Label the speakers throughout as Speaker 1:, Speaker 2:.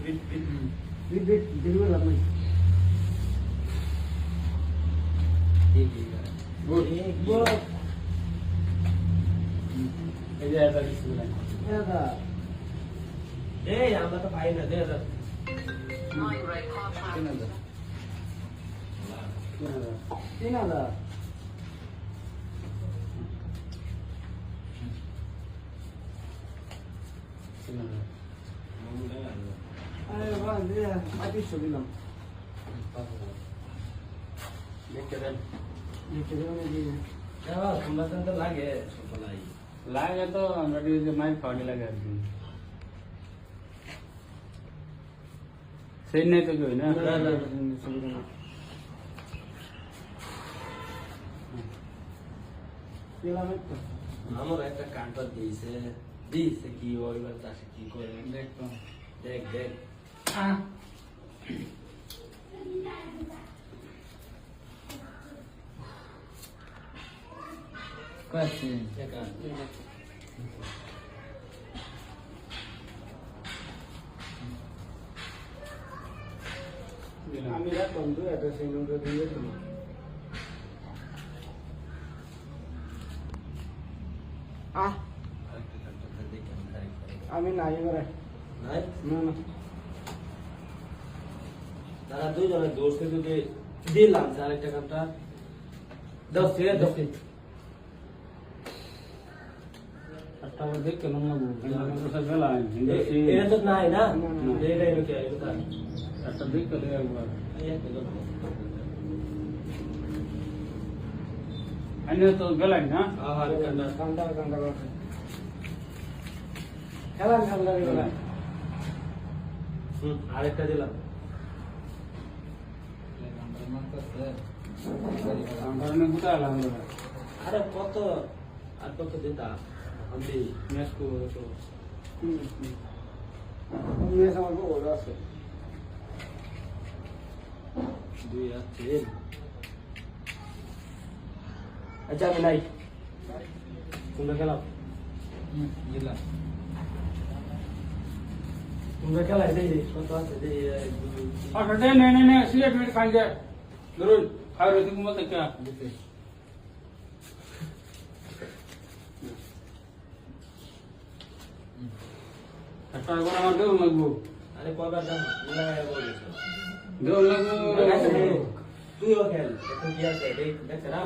Speaker 1: Bit দিলু লাগবে
Speaker 2: ঠিক আছে গুড
Speaker 1: গুড
Speaker 2: এই যে এটা কিছু নাই
Speaker 1: দাদা
Speaker 2: এই আমরা তো পাই না দে দাদা
Speaker 1: 3000 আরে বাহ দিয়ে আটি দিলাম
Speaker 2: দেখতে দেন
Speaker 1: দেখতে দেবেন দিয়ে
Speaker 2: তোমরা তো লাগে সকালাই
Speaker 3: লাগে তো আমরা যে মাইক পানি লাগে আর কি সেই নাই তো কই না
Speaker 1: দিলাম একটু
Speaker 2: আমার একটা কান্টার দিয়েছে কি ওইবার চাষে কি করে
Speaker 3: দেখতো
Speaker 2: দেখ দেখ
Speaker 3: কাছে
Speaker 2: দেখা
Speaker 1: আমি রাখলাম তো এটা সেই নম্বর দিয়ে দিলাম আহ আমি নাই এবারে
Speaker 2: নাই
Speaker 1: না না
Speaker 2: তারা দুইজনের দোষকে যদি দিলাম যে আরেকটা কামটা 10 থেকে 10
Speaker 3: একটা দেখতে না লাগবো এটা বেলা
Speaker 2: এটা তো নাই না
Speaker 1: না, না।
Speaker 2: এটাই লোকে এটা
Speaker 3: একটা দেখতে লাগে একবার আইনে তো গেলাই না
Speaker 1: কান্দা কান্দা খেলাম খেলা গেলাম
Speaker 2: আরেকটা দিলাম
Speaker 3: আমরা গুটা লাগলো
Speaker 2: আরে কত আর কত দিতা আমি
Speaker 3: ম্যাচ কো তো
Speaker 1: মেয়ে আমার বড় আছে
Speaker 2: 2 আর 3 আচ্ছা আমি নাই তোমরা খেলাও
Speaker 3: গেলা
Speaker 2: তোমরা খেলা দেই কত আছে দেই
Speaker 3: আচ্ছা দে নে সিগারেট মেট খাই দে ধরুন খাই রে তুমি মত কে একটা একবার আমার দেও লাগবো
Speaker 2: আরে কয়বার দাম লাগায় বলেছো
Speaker 3: দেও লাগবো
Speaker 2: তুইও খেল এখন কি আছে দেখ রাম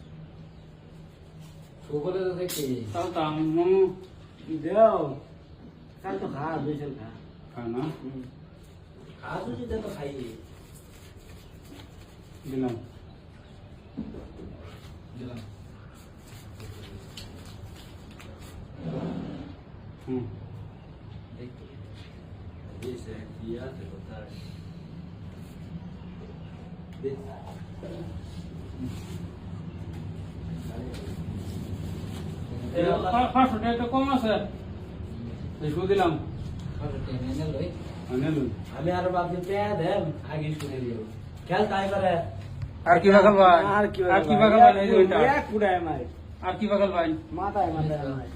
Speaker 2: সুবলে তো দেখি
Speaker 3: তাও তা মামু
Speaker 1: দেও কাল তো খা বেশল খা
Speaker 3: খানা
Speaker 2: খাসু যেটা তো খাই
Speaker 3: দিলাম
Speaker 2: দিলাম
Speaker 3: হুম
Speaker 2: দেখি দিছে কি আছে কথা দেখ
Speaker 3: পাঁচশো টাকা কম আছে দেখো দিলাম আনেলুন
Speaker 2: আমি আর বাপনি পেয়া দেন আগে শুনে দিও খেল তাই করে
Speaker 3: আর কি বাগাল ভাই
Speaker 1: আর কি
Speaker 3: আর কি বাগাল ভাই এই যে ওইটা
Speaker 1: এক পুরায় মাই
Speaker 3: আর কি বাগাল ভাই
Speaker 1: মাথায় মাথায়